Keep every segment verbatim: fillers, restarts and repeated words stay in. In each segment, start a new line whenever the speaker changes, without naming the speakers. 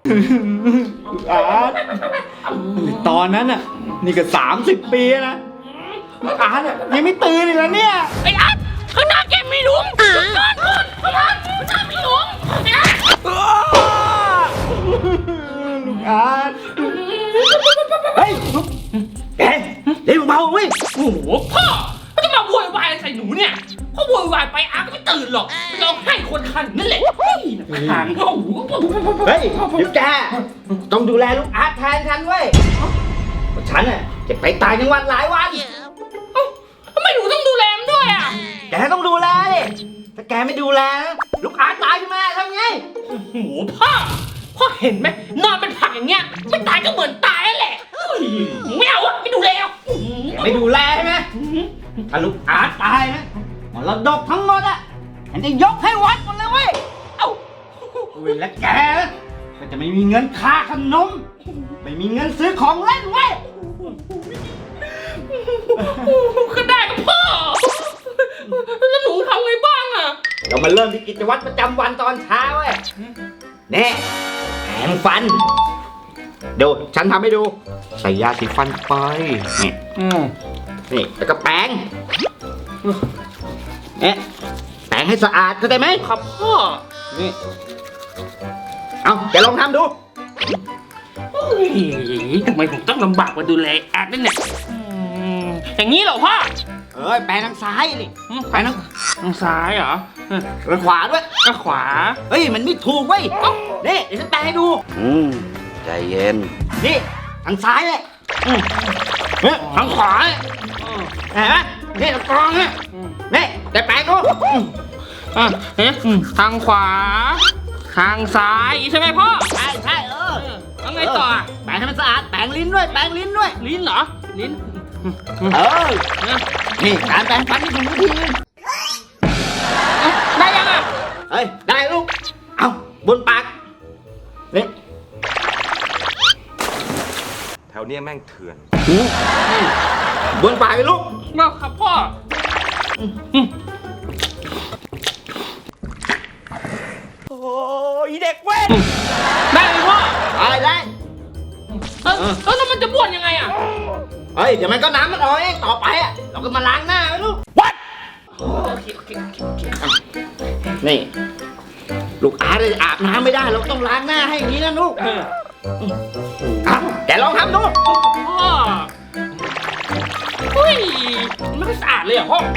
ลูกอาร์ตตอนนั้นน่ะนี่ก็สามสิบปีนะลูกอาร์ตยังไม่ตื่นเลยนะเนี่ย
ไอ้อาร์ตข้างหน้าแกมีหลุมก่อนก่อนไอ้อาร์ตข้างหน้ามีหลุมไอ้อาร์ต
ลูกอาร์ตเฮ้ยลูกเฮ้ยเฮ้ยเบาเว้ย
โอ้โหพ่อเขาจะมาโวยวายใส่หนูเนี่ยเขาโวยวายไปอาร์ตก็ไม่ตื่นหรอกร้องไห้คนคันนั่นแหละหางเขา
เฮ้ยเดี๋ยวแกต้องดูแลลูกอาร์ตแทนฉันเว้ยฉันน่ะจะไปต่างจังหวัดหลายวัน
ทำไมหนูต้องดูแลมันด้วยอ่ะ
แกต้องดูแลดิถ้าแกไม่ดูแลลูกอาร์ตตายขึ้นมาทำไง
โอ้โหพ่อพ่อเห็นไหมนอนเป็นผักอย่างเงี้ยไม่ตายก็เหมือนตายแหละไม่เอาอะไม่ดูแล
ไม่ดูแลใช่ไหมถ้าลูกอาร์ตตายนะมรดกทั้งหมดอ่ะฉันจะยกให้วัดหมดเลยเว้ยเอ้าและแกก็จะไม่มีเงินค่าขนมไม่มีเงินซื้อของเล่นเว้ย
ก็ได้กับพ่อแล้วหนูทำไงบ้างอ่ะ
เรามาเริ่มที่กิจวัตรประจำวันตอนเช้าเว้ยนี่แปรงฟันเดี๋ยวฉันทำให้ดูใส่ยาสีฟันไปนี่นี่แล้วก็แปรงเนี่ยแปรงให้สะอาดเข้าใจไหม
ครับพ่อ
นี่เอาแกลองทำดู
ทำไมผมต้องลำบากมาดูแลแอดนี่เนี่ยอย่างนี้เหรอพ่อ
เอ้ยแปรงทางซ้ายนี่แปรงทาง
ทางซ้ายเหรอ
ทางขวาด้วย
ทางขวา
เฮ้ยมันไม่ถูกเว้ยนี่เดี๋ยวฉันแปรงให้ดู
อืมใจเย็น
นี่ทางซ้ายเลยเนี่ยทางขวาเห็นไหมนี่ตะกรองเนี่ยนี่แต่แปรงดู
อ่ะเอ๊ะทางขวาทางซ้ายใช่ไหมพ่อ
ใช่ใช่เออ
แล้วไงต่อ
แปรงให้มันสะอาดแปรงลิ้นด้วยแปรงลิ้นด้วย
ลิ้นเหรอลิ้น
เออนี่การแปรงฟันที่ถูกวิธี
ได้ยังอ่ะ
เฮ้ยได้ลูกเอาบนปากนี่
แถวเนี้ยแม่งเถื่อน
บนปากเลยลูก
มาครับพ่อ
โอ้ยเด็กเว้ย
ได้ไหมพ่อ
ได้ได้
เออแล้วมันจะบ้วนยังไงอ่ะ
เฮ้ยเดี๋ยวมันก็น้ำมันออกเองต่อไปอ่ะเราก็มาล้างหน้าไว้ลูก
What โอเคโอเคโอเคโอเค
นี่ลูกอาร์ตอาบน้ำไม่ได้เราต้องล้างหน้าให้อย่างนี้นะลูกอ่ะแกลองทำดู
พ่อเฮ้ยมันไม่สะอาดเลยอ่ะพ่อ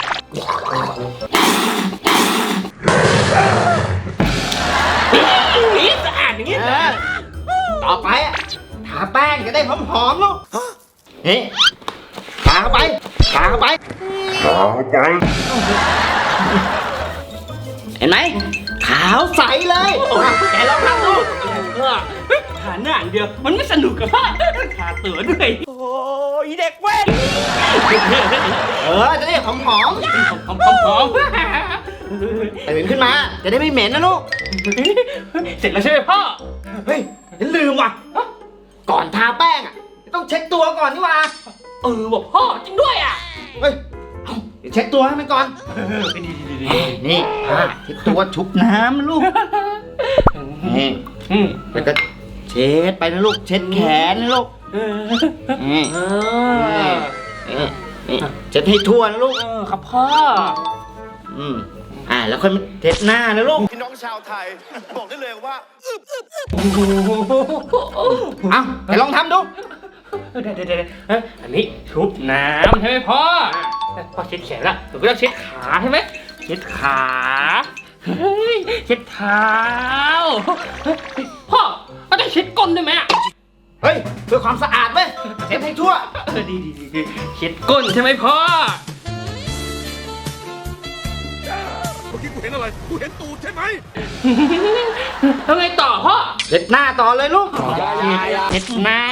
นี่สะอาดอย่างนี้
ต่อไปอ่ะทาแป้งจะได้หอมๆลูกนี่ทาเข้าไปทาเข้าไปทาเข้าไปเห็นไหมขาวใสเลยแกลองทำดู
ทาหน้าอย่างเดียวมันไม่สนุกกับพ่อทาตัวด้วย
โอ้ยเด็กเว้ยเออจะได้หอมหอม
หอมหอมหอม
ตื่นขึ้นมาจะได้ไม่เหม็นนะลูก
เสร็จแล้วใช่ไหมพ่อ
เฮ้ยฉันลืมว่ะก่อนทาแป้งอ่ะต้องเช็คตัวก่อนนี่ว่า
เออบอกพ่อจริงด้วยอ่ะ
เฮ้ยเดี๋ยวเช็คตัวให้มันก่อนนี่เช็คตัวชุบน้ำลูกนี่แล้วก็เช็ดไปนะลูกเช็ดแขนนะลูกนี่นี่เช็ดให้ทั่วนะลูก
ครับพ่อ
อืมอ่าแล้วค่อยมาเช็ดหน้านะลูก
พี่น้องชาวไทยบอกได้เลยว่า
เอาไปลองทำดู
เดี๋ยวเดี๋ยวเดี๋ยวอันนี้ชุบน้ำใช่ไหมพ่อพ่อเช็ดแขนละหนูก็ต้องเช็ดขาใช่ไหมเช็ดขาเฮ้ยเช็ดเท้าพ่อก็ต้องเช็ดก้นด้วยไหม
เฮ้ยเพื่อความสะอาดเว้ยเช็ดให้ทั่ว
ดีดีดีเช็ดก้นใช่ไหมพ่อ
เมื่อกี้กูเห็นอะไรกูเห็นตูดใช่ไหม
ทำไงต่อพ่อ
เช็ดหน้าต่อเลยลูก
เช็ดหน้า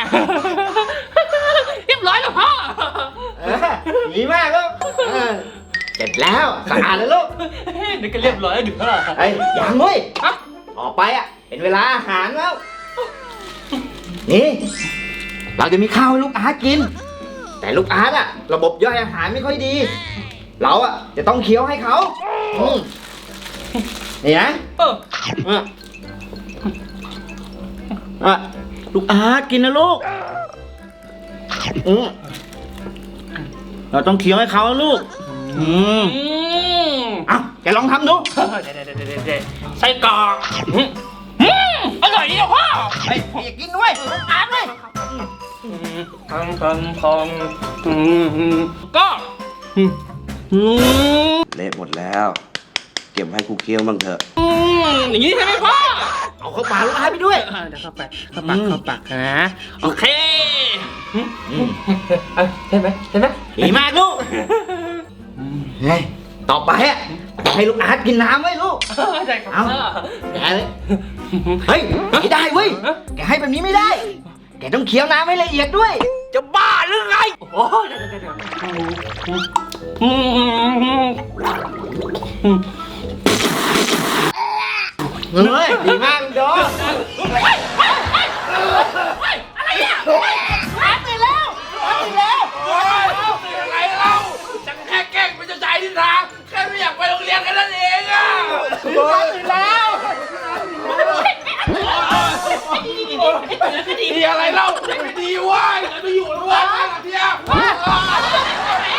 เรียบร้อยแล้วพ่อ
ดีมากลูกเสร็จแล้วสะอาดแล้วลูก
นี่ก็เรียบร้อยแล้วดึกพ่อ
ไอ้ยังเว้ยต่อไปอ่ะเป็นเวลาอาหารแล้วนี่เราจะมีข้าวให้ลูกอาร์ตกินแต่ลูกอาร์ตอ่ะระบบย่อยอาหารไม่ค่อยดีเราอ่ะจะต้องเคี้ยวให้เขานี่นะ
เออ
อ่ะลูกอาร์ตกินนะลูกอืมเราต้องเคี้ยวให้เขานะลูกอืม
อืม
เอ้าแกลองทำดู
เดี๋ยวเดี๋ยวเดี๋ยวเดี๋ยวไส้กรอกอืมอืมอร่อยดีอ่ะพ่อ
เฮ้ยอย่ากินด้วยอาร์ตเลย
พังพังพังอืมอืมก็อืมอืม
เละหมดแล้ว เก็บให้ครูเคี้ยวบ้างเถอะ
อืมอย่างนี้ใช่ไหมพ่อ
เอาเข้าปากลูกอาร์ตไปด้วย
เออเดี๋ยวเข้าไปเข้าปากเข้าปากนะโอเคอืมอืมเอาใช่ไหมใช่ไหม
ดีมากลูกเฮ้ยต่อไปอ่ะให้ลูกอาร์ตกินน้ำไว้ลูก
ใช่ครับ
เอา แกเลย เฮ้ยไม่ได้เว้ย แกให้แบบนี้ไม่ได้ แกต้องเคี้ยวน้ำให้ละเอียดด้วย
จะบ้าหรือไงโอ้ยเดี๋ยวเดี๋ยวเดี๋ยวอืมอืมอืมอืม
เฮ้ย ดีมากลูกโดอะไรอ่ะอาร์ตตื่นแล้วอาร์ตตื่นแล้ว
โอ้ยเป็นอะไรเล่าฉันแค่แกล้งเป็นเจ้าชายนิทราแค่ไม่อยากไปโรงเรียนแค่นั้นเองอ่ะ
อาร์ตตื่นแล้ว
ดีอะไรเล่าไม่ดีเว้ยไปอยู่แล้วเว้ยเนี่ย